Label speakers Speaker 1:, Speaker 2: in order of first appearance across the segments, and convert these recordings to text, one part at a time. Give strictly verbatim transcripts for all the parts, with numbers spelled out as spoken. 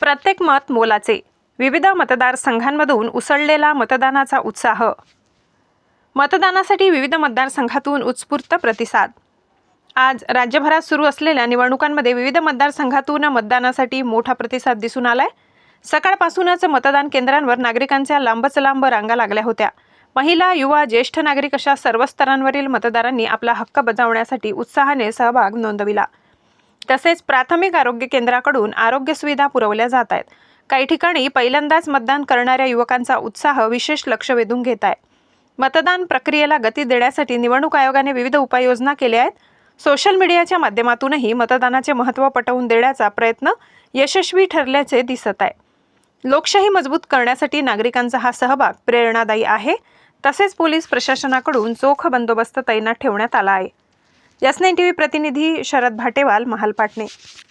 Speaker 1: प्रत्येक मत मोलाचे. विविध मतदारसंघांमधून उसळलेला मतदानाचा उत्साह. मतदानासाठी विविध मतदारसंघातून उत्स्फूर्त प्रतिसाद. आज राज्यभरात सुरू असलेल्या निवडणुकांमध्ये विविध मतदारसंघातून मतदानासाठी मोठा प्रतिसाद दिसून आलाय. सकाळपासूनच मतदान केंद्रांवर नागरिकांच्या लांबच लांब रांगा लागल्या होत्या. महिला, युवा, ज्येष्ठ नागरिक अशा सर्व स्तरांवरील मतदारांनी आपला हक्क बजावण्यासाठी उत्साहाने सहभाग नोंदविला. तसेच प्राथमिक आरोग्य केंद्राकडून आरोग्य सुविधा पुरवल्या जात आहेत. काही ठिकाणी पहिल्यांदाच मतदान करणाऱ्या युवकांचा उत्साह विशेष लक्ष वेधून घेत आहे. मतदान प्रक्रियेला गती देण्यासाठी निवडणूक आयोगाने विविध उपाययोजना केल्या आहेत. सोशल मीडियाच्या माध्यमातूनही मतदानाचे महत्त्व पटवून देण्याचा प्रयत्न यशस्वी ठरल्याचे दिसत आहे. लोकशाही मजबूत करण्यासाठी नागरिकांचा हा सहभाग प्रेरणादायी आहे. तसेच पोलीस प्रशासनाकडून चोख बंदोबस्त तैनात ठेवण्यात आला आहे. एस नाईन टीव्ही प्रतिनिधी शरद भाटेवाल, महालपाटणे.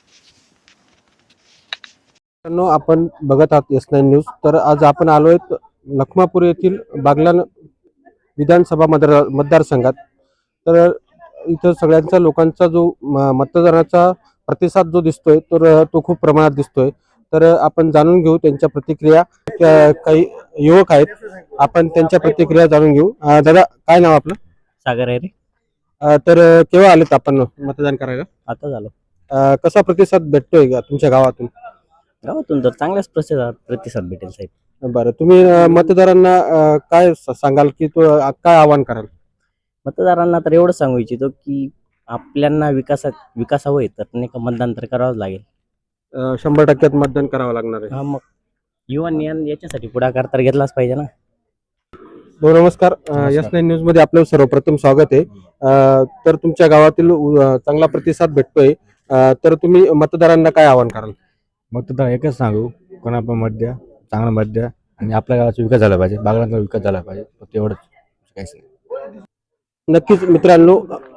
Speaker 2: आपण बघत आहात एस नाईन न्यूज. तर आज आपण आलोय लखमापूर येथील बागलाण विधानसभा मतदार मतदारसंघात. तर इथं सगळ्यांचा लोकांचा जो मतदानाचा प्रतिसाद जो दिसतोय तर तो खूप प्रमाणात दिसतोय. तर आपण जाणून घेऊ त्यांच्या प्रतिक्रिया. काही युवक आहेत, आपण त्यांच्या प्रतिक्रिया जाणून घेऊ. दादा, काय नाव आपलं?
Speaker 3: सागर आहे रे.
Speaker 2: तर केव्हा आलेत आपण मतदान करायला?
Speaker 3: आता झालो.
Speaker 2: कसा प्रतिसाद भेटतोय का तुमच्या गावातून?
Speaker 3: गावातून तर चांगलाच प्रतिसाद प्रतिसाद भेटेल साहेब.
Speaker 2: बरं, तुम्ही मतदारांना काय सांगाल की तो काय आवाहन कराल?
Speaker 3: मतदारांना तर एवढं सांगू इच्छितो की आपल्यांना विकासात विकास हवंय तर नाही का मतदान तर करावंच लागेल.
Speaker 2: शंभर टक्क्यात मतदान करावं लागणार आहे.
Speaker 3: हा, मग युवांनी याच्यासाठी पुढाकार तर घेतलाच पाहिजे ना.
Speaker 2: हो, नमस्कार. एस नाईन न्यूज मध्ये आपलं सर्वप्रथम स्वागत आहे. तर तुमच्या गावातील चांगला प्रतिसाद भेटतोय, तर तुम्ही मतदारांना काय आवाहन कराल?
Speaker 4: मतदार एकच सांगू, कोणा पण मत द्या, चांगला मत द्या आणि आपल्या गावाचा विकास झाला पाहिजे, बागलाणचा विकास झाला पाहिजे, फक्त एवढंच, काहीच नाही.
Speaker 2: नक्कीच मित्रांनो.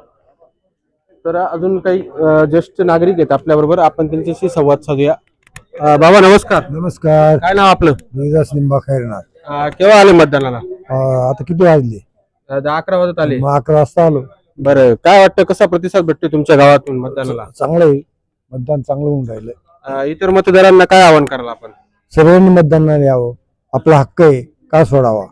Speaker 2: तर अजून काही ज्येष्ठ नागरिक आहेत आपल्या बरोबर, आपण त्यांच्याशी संवाद साधूया. बाबा नमस्कार.
Speaker 5: नमस्कार.
Speaker 2: काय नाव आपलं?
Speaker 5: रोहिदास लिंबा खैरनार.
Speaker 2: केव्हा आले मतदानाला?
Speaker 5: आता किती वाजले?
Speaker 2: दहा अकरा वाजत आले.
Speaker 5: मग अकरा वाजता आलो.
Speaker 2: बरं, काय वाटतं, कसा प्रतिसाद भेटतोय तुमच्या गावातून मतदानाला?
Speaker 5: चांगलं आहे, मतदान चांगलं होऊन राहिलं.
Speaker 2: इतर मतदारांना काय आवाहन कराल आपण?
Speaker 5: सर्वांनी मतदानाला यावं, आपला हक्क आहे, का सोडावा.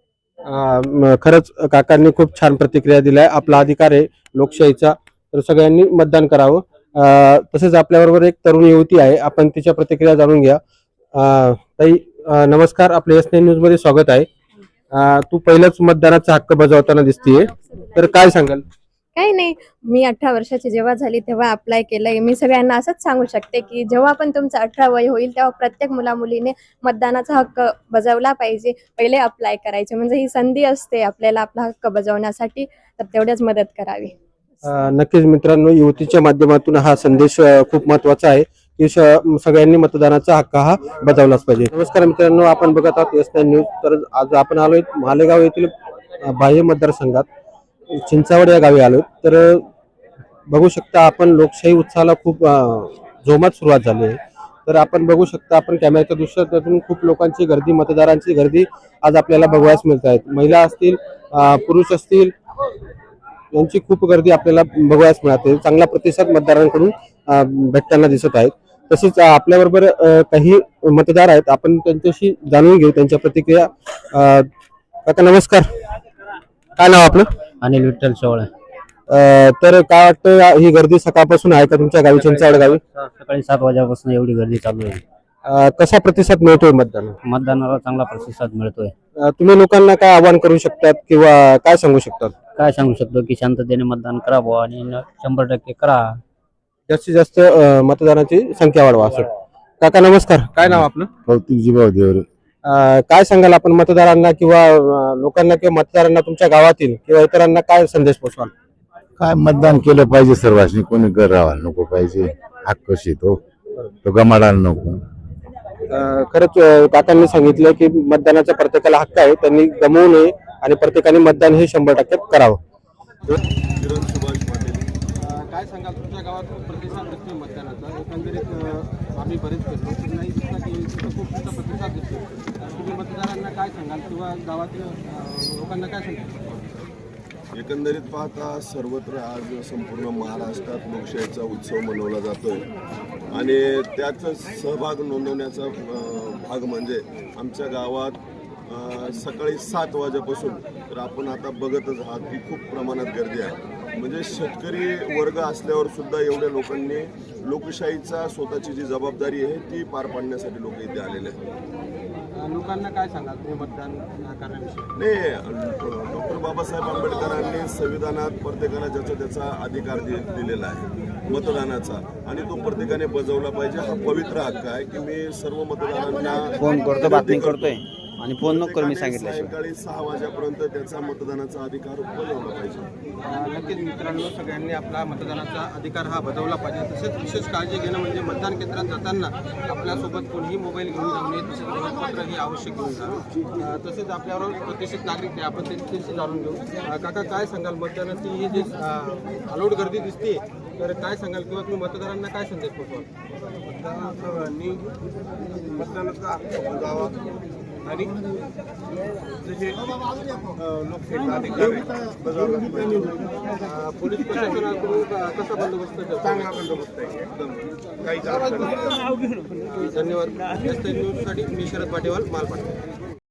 Speaker 2: खरंच काकांनी खूप छान प्रतिक्रिया दिलाय. आपला अधिकार आहे लोकशाहीचा, तर सगळ्यांनी मतदान करावं. तसेच आपल्याबरोबर एक तरुण युवती आहे, आपण तिच्या प्रतिक्रिया जाणून घ्या. ताई नमस्कार, आपल्या एस नाईन न्यूज मध्ये स्वागत आहे. तू पहिल्याच मतदानाचा हक्क बजावताना दिसतीये, तर काय सांगाल?
Speaker 6: काही नाही, मी अठरा वर्षाची जेव्हा झाली तेव्हा अप्लाय केलंय. मी सगळ्यांना असंच सांगू शकते की जेव्हा पण तुमचं अठरा वय होईल तेव्हा प्रत्येक मुला मुलीने मतदानाचा हक्क बजावला पाहिजे. पहिले अप्लाय करायचे, म्हणजे ही संधी असते आपल्याला आपला हक्क बजावण्यासाठी, तर तेवढ्याच मदत करावी.
Speaker 2: नक्कीच मित्रांनो, युवतीच्या माध्यमातून हा संदेश खूप महत्वाचा आहे की सगळ्यांनी मतदानाचा हक्क हा बजावलाच पाहिजे. नमस्कार मित्रांनो, आपण बघत आहात एस नाईन न्यूज. तर आज आपण आलोय मालेगाव येथील बाह्य मतदारसंघात चिंचावड या गावी आलो. तर बघू शकता आपण, लोकशाही उत्साहाला खूप जोमात सुरुवात झाली आहे. तर आपण बघू शकता, आपण कॅमेऱ्याच्या दृश्यातून खूप लोकांची गर्दी, मतदारांची गर्दी आज आपल्याला बघायला मिळत आहेत. महिला असतील, पुरुष असतील, यांची खूप गर्दी आपल्याला बघायला मिळते. चांगला प्रतिसाद मतदारांकडून भेटताना दिसत आहेत. तसेच आपल्याबरोबर काही मतदार आहेत, आपण त्यांच्याशी जाणून घेऊ त्यांच्या प्रतिक्रिया. काका नमस्कार, काय नाव आपलं?
Speaker 3: अनिल विठ्ठल चव्हाण.
Speaker 2: तर काय वाटतं, ही गर्दी सकाळपासून आहे का तुमच्या गावी, चिंचावड गावी?
Speaker 3: सकाळी सात वाजल्यापासून एवढी गर्दी चालू आहे.
Speaker 2: कसा प्रतिसाद मिळतोय मतदान?
Speaker 3: मतदानाला चांगला प्रतिसाद मिळतोय.
Speaker 2: तुम्ही लोकांना काय आवाहन करू शकतात किंवा काय सांगू शकतात?
Speaker 3: काय सांगू शकतो की शांततेने मतदान करावं आणि शंभर टक्के करा,
Speaker 2: जास्तीत जास्त मतदानाची संख्या वाढवा असं. काका नमस्कार, काय नाव आपलं?
Speaker 4: कौतिक जीभाव देवरे.
Speaker 2: काय सांगाल आपण मतदारांना किंवा लोकांना किंवा मतदारांना तुमच्या गावातील किंवा इतरांना काय संदेश पोचवाल?
Speaker 4: काय मतदान केलं पाहिजे सर्वांनी, कोणी घर राहायला नको पाहिजे, हक्क शितो तो गमाडायला नको.
Speaker 2: खरंच काकांनी सांगितलं की मतदानाचा प्रत्येकाला हक्क आहे, त्यांनी गमवू नये आणि प्रत्येकाने मतदान हे शंभर टक्क्यात करावं. काय सांगाल, तुमच्या गावात प्रतिसाद दिसतोय मतदानाचा? एकंदरीत आम्ही बरेच फिरलो, नाही दिसला की खूप मोठा प्रतिसाद दिसतोय. तुम्ही मतदारांना काय सांगाल किंवा गावातील लोकांना काय सांगाल?
Speaker 7: एकंदरीत पाहता सर्वत्र आज संपूर्ण महाराष्ट्रात लोकशाहीचा उत्सव मनवला जातोय आणि त्यात सहभाग नोंदवण्याचा अ, भाग म्हणजे आमच्या गावात अ, सकाळी सात वाजेपासून तर आपण आता बघतच आहात की खूप प्रमाणात गर्दी आहे. म्हणजे शेतकरी वर्ग असल्यावर सुद्धा एवढ्या लोकांनी लोकशाहीचा स्वतःची जी जबाबदारी आहे ती पार पाडण्यासाठी लोक इथे आलेले आहेत.
Speaker 2: लोकांना काय सांगाल तुम्ही मतदान करण्याविषयी?
Speaker 7: नाही, डॉक्टर बाबासाहेब आंबेडकरांनी संविधानात प्रत्येकाला ज्याचा त्याचा अधिकार दि- दिलेला आहे मतदानाचा आणि तो प्रत्येकाने बजावला पाहिजे. हा पवित्र हक्क आहे की मी सर्व मतदारांना
Speaker 8: फोन करतो, बातमी करतोय आणि फोन नको करू मी
Speaker 7: प्रत्येकाने
Speaker 8: सांगितलं
Speaker 7: सायंकाळी सहा वाजेपर्यंत त्याचा मतदानाचा अधिकार बजावला पाहिजे.
Speaker 2: नक्कीच मित्रांनो, सगळ्यांनी आपला मतदानाचा अधिकार हा बजावला पाहिजे. तसेच विशेष काळजी घेणं म्हणजे मतदान केंद्रात जाताना आपल्यासोबत कोणीही मोबाईल घेऊन जाऊ नये, तसेच ओळखपत्र ही आवश्यक घेऊन जावं. अं, तसेच आपल्यावर प्रतिष्ठित नागरिक आहे, आपण त्यांच्याशी जाणून घेऊ. अं, काका, काय सांगाल मतदानाची ही जी अलोट गर्दी दिसते, तर काय सांगाल किंवा तुम्ही मतदारांना काय संदेश पोहोचवाल?
Speaker 7: सर्वांनी मतदानाचा हक्क बजावा आणि जसे लोकशाहीचा अधिकार आहे बजावला पाहिजे.
Speaker 2: अं, पोलीस प्रशासनाकडून क- कसा बंदोबस्त ठेवतो?
Speaker 7: चांगला बंदोबस्त आहे एकदम काहीच अडचण नाही.
Speaker 2: धन्यवाद. एस न्यूजसाठी मी शरद पाटेवाल, मालपाट.